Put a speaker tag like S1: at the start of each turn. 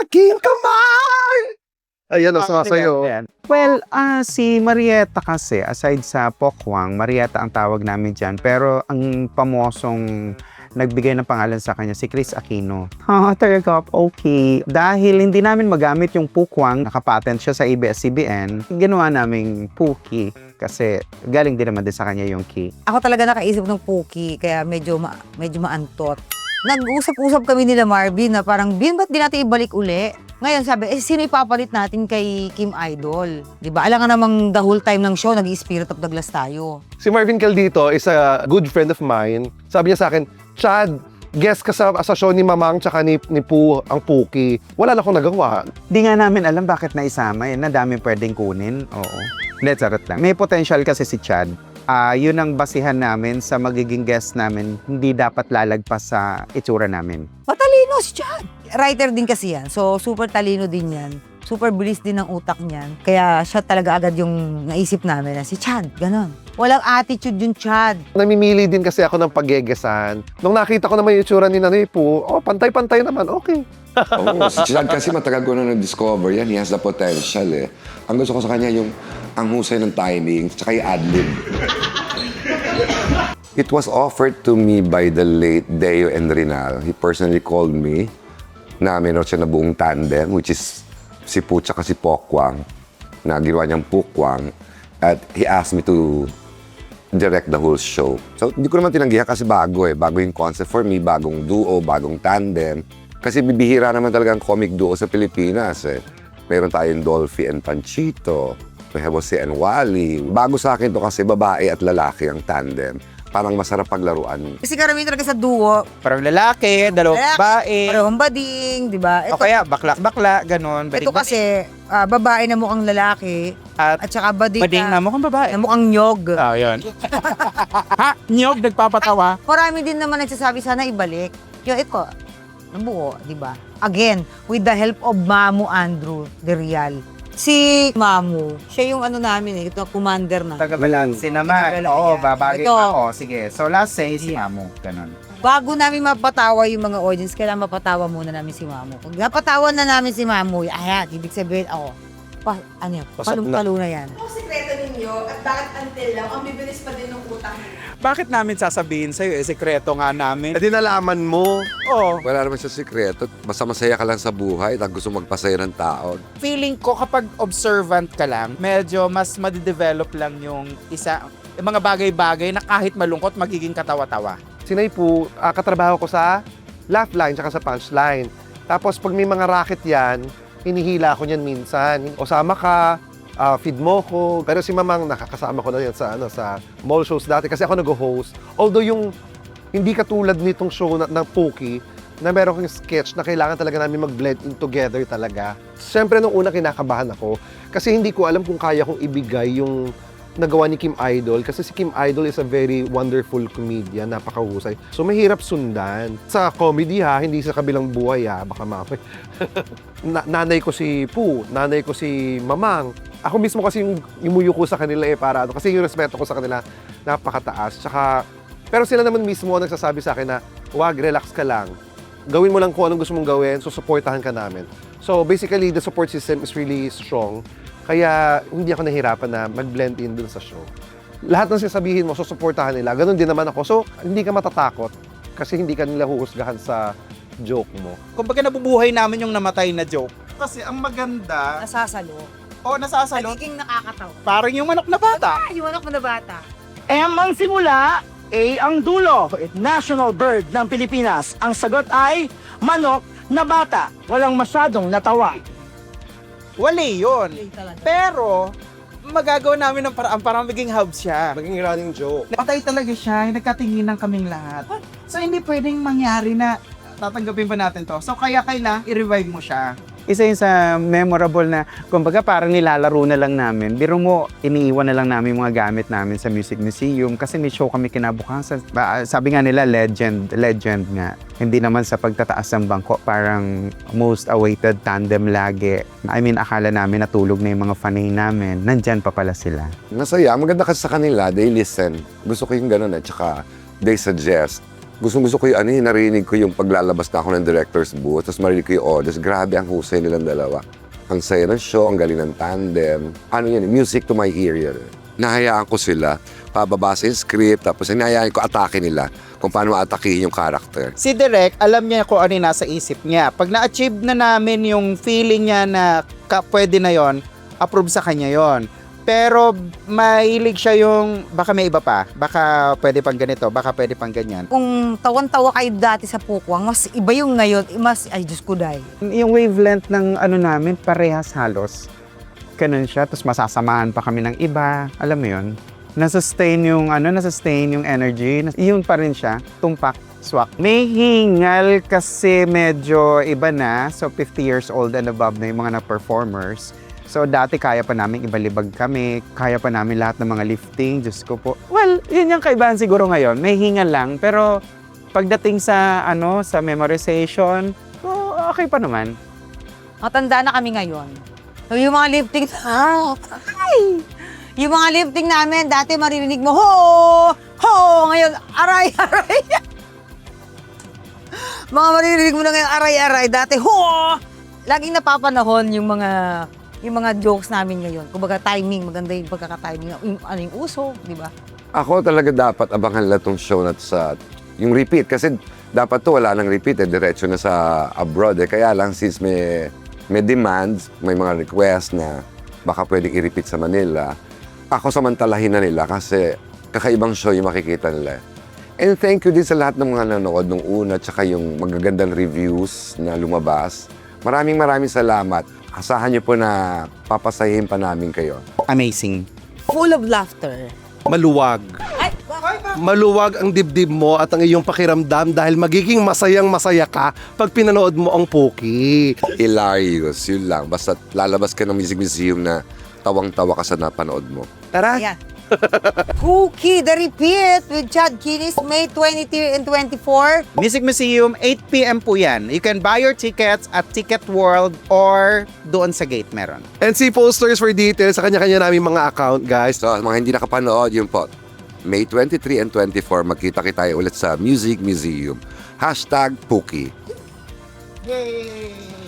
S1: aking kamay! Ayan, sa'yo.
S2: Well, si Marietta kasi, aside sa Pokwang, Marietta ang tawag namin dyan. Pero ang pamosong nagbigay ng pangalan sa kanya, si Chris Aquino. Talaga, okay. Dahil hindi namin magamit yung Pokwang, nakapatent siya sa ABS-CBN, ginawa naming Puki. Kasi galing din naman din sa kanya yung key.
S3: Ako talaga nakaisip ng Puki, kaya medyo maantot. Nag-usap-usap kami nila Marvin na parang, Bin, ba't di natin ibalik uli? Ngayon sabi, sino ipapalit natin kay Kim Idol? Diba? Alam nga namang the whole time ng show, nag-Spirit of Douglas tayo.
S1: Si Marvin Caldito is a good friend of mine. Sabi niya sa akin, Chad, guest ka sa show ni Mamang tsaka ni Poo, ang Puki. Wala na akong nagawa.
S2: Di nga namin alam bakit naisama yun. Na dami pwedeng kunin. Oo. Hindi, charot lang. May potential kasi si Chad. Yun ang basihan namin sa magiging guest namin. Hindi dapat lalagpas sa itsura namin.
S3: Matalino si Chad. Writer din kasi yan. So, super talino din yan. Super bilis din ang utak niyan. Kaya siya talaga agad yung naisip namin na si Chad, ganon. Walang attitude yung Chad.
S1: Namimili din kasi ako ng paggegesan. Nung nakita ko naman yung itsura ni Nanay Poo, pantay-pantay naman, okay.
S4: Oo, si Chad kasi matagal ko na nag-discover yan. He has the potential eh. Ang gusto ko sa kanya yung ang husay ng timing, tsaka yung ad-lib. It was offered to me by the late Deo and Rinal. He personally called me na meron siya na buong tandem, which is si Poo tsaka si Pokwang, na ginawa niyang Pukwang. At he asked me to direct the whole show. So, hindi ko naman tinanggihan kasi bago eh. Bago yung concept for me, bagong duo, bagong tandem. Kasi bibihira naman talaga ang comic duo sa Pilipinas eh. Meron tayong Dolphy and Panchito. May Jose and Wally. Bago sa akin to kasi babae at lalaki ang tandem. Parang masarap paglaruan.
S3: Kasi karamihan talaga sa duo,
S2: Parang lalaki, dalawang babae.
S3: parehong bading, di ba?
S2: O kaya bakla, ganon.
S3: Ito kasi, babae na mukhang lalaki, at saka bading
S2: na mukhang babae.
S3: na mukhang nyog.
S2: Yun. Ha? Nyog, nagpapatawa.
S3: Marami din naman nagsasabi, sana ibalik. Yung ito, nabuo, di ba? Again, with the help of Mamu Andrew De Real. Si Mamu, siya yung ano namin ito, commander na.
S2: Taga-balansin naman.
S3: Taga-balansin.
S2: Oo, babagay
S3: Ito.
S2: ako. Sige, so last say si Mamu. Ganon.
S3: Bago namin mapatawa yung mga audience, kailangan mapatawa muna namin si Mamu. Pag napatawa na namin si Mamu, ayan, ibig sabihin ako, palong-palo na yan.
S5: Ano ang sekreto ninyo at bakit until lang ang bibilis pa din ng utang ninyo?
S2: Bakit namin sasabihin sa'yo? Sekreto nga namin.
S1: Di nalaman mo.
S2: Oo.
S4: Wala naman siya sikreto. Basta masaya ka lang sa buhay at gusto magpasaya ng tao.
S2: Feeling ko kapag observant ka lang, medyo mas madidevelop lang yung mga bagay-bagay na kahit malungkot, magiging katawa-tawa.
S1: Si Nay Poo, katrabaho ko sa laugh line tsaka sa punchline. Tapos pag may mga racket yan, hinihila ko niyan minsan. O sama ka, feed mo ko. Pero si Mamang, nakakasama ko na yan sa mall shows dati kasi ako nag-host. Although yung hindi katulad nitong show ng Puki, na meron kong sketch na kailangan talaga namin mag-blend in together talaga. Siyempre, nung una kinakabahan ako kasi hindi ko alam kung kaya kong ibigay yung nagawa ni Kim Idol kasi si Kim Idol is a very wonderful comedian, napakahusay. So mahirap sundan. Sa comedy hindi sa kabilang buhay baka mamay. Nanay ko si Poo, nanay ko si Mamang. Ako mismo kasi yung imuyo ko sa kanila para kasi yung respeto ko sa kanila napakataas. Tsaka, pero sila naman mismo ang nagsasabi sa akin na, wag, relax ka lang. Gawin mo lang kung anong gusto mong gawin, so supportahan ka namin. So basically, the support system is really strong. Kaya hindi ako nahirapan na mag-blend in dun sa show. Lahat ng sasabihin mo, susuportahan nila. Ganon din naman ako. So, hindi ka matatakot kasi hindi ka nila huhusgahan sa joke mo.
S2: Kumbaga nabubuhay namin yung namatay na joke. Kasi ang maganda,
S3: Nasasalo.
S2: nasasalo,
S3: Nagiging nakakatawa.
S2: parang yung manok na bata.
S3: Yung anak mo na bata.
S6: M ang simula, A ang dulo. National bird ng Pilipinas. Ang sagot ay manok na bata. Walang masyadong natawa.
S2: Wali yun.
S3: Talaga.
S2: Pero, magagawa namin ng paraan para maging hub siya.
S1: Maging running joke.
S2: Patay talaga siya, nagkatinginan kaming lahat. So, hindi pwedeng mangyari na tatanggapin pa natin to. So, kaya kailangan i-revive mo siya. Isa yun sa memorable na, kumbaga parang nilalaro na lang namin. Biro mo, iniiwan na lang namin mga gamit namin sa Music Museum kasi may show kami kinabukasan. Sabi nga nila, legend nga. Hindi naman sa pagtataas ng bangko, parang most awaited tandem lagi. I mean, akala namin natulog na yung mga fanay namin. Nandyan pa pala sila.
S4: Masaya. Maganda kasi sa kanila. They listen. Gusto ko yung ganun eh. Tsaka they suggest. Gustong-gusto ko yung narinig ko yung paglalabas na ako ng director's booth, tapos marinig ko yung audience. Grabe ang husay nilang dalawa. Ang saya ng show, ang galing ng tandem. Music to my ear yan. Nahayaan ko sila, pababasa yung script, tapos hinahayaan ko atake nila kung paano atakihin yung character.
S2: Si Direk, alam niya kung ano yung nasa isip niya. Pag na-achieve na namin yung feeling niya na pwede na yon, approve sa kanya yon. Pero mahilig siya yung baka may iba pa, baka pwede pang ganito, baka pwede pang ganyan.
S3: Kung tawan-tawa kayo dati sa Pukwang, mas iba yung ngayon, ay Diyos ko day.
S2: Yung wavelength ng namin, parehas halos. Ganun siya, tapos masasamahan pa kami ng iba. Alam mo yun? Nasustain yung energy. Yun pa rin siya, tumpak, swak. May hingal kasi medyo iba na. So 50 years old and above na yung mga na-performers. So dati kaya pa namin ibalibag kami, kaya pa namin lahat ng mga lifting, Diyos ko po. Well, yun yung kaibahan siguro ngayon. May hingal lang, pero pagdating sa sa memorization, okay pa naman.
S3: Matanda na kami ngayon. So, yung mga lifting, yung mga lifting namin, dati maririnig mo, ho, ngayon, aray. Mga maririnig mo na ngayon, aray, dati, ho. Laging napapanahon yung mga jokes namin ngayon. Kumbaga timing, maganda yung pagkaka-timing, yung uso, di ba?
S4: Ako talaga dapat abangan nila tong show na sa yung repeat. Kasi dapat to wala nang repeat, diretso na sa abroad. Kaya lang since may demands, may mga request na baka pwedeng i-repeat sa Manila, ako samantalahin na nila kasi kakaibang show yung makikita nila. And thank you din sa lahat ng mga nanonood nung una tsaka yung magagandang reviews na lumabas. Maraming salamat. Asahan niyo po na papasahin pa namin kayo.
S2: Amazing.
S3: Full of laughter.
S1: Maluwag.
S3: Ay,
S1: Maluwag ang dibdib mo at ang iyong pakiramdam dahil magiging masayang-masaya ka pag pinanood mo ang Poki.
S4: Hilarious, yun lang. Basta lalabas ka ng Music Museum na tawang-tawa ka sa napanood mo.
S1: Tara!
S3: ayan. Cookie, The Repeat with Chad Kinis, May 23 and 24.
S2: Music Museum, 8 p.m. po yan. You can buy your tickets at Ticket World or doon sa gate meron.
S1: And see posters for details sa kanya-kanya namin mga account, guys.
S4: So, mga hindi nakapanood, yun po. May 23 and 24, magkita-kita tayo ulit sa Music Museum. #Puki.
S2: Yay!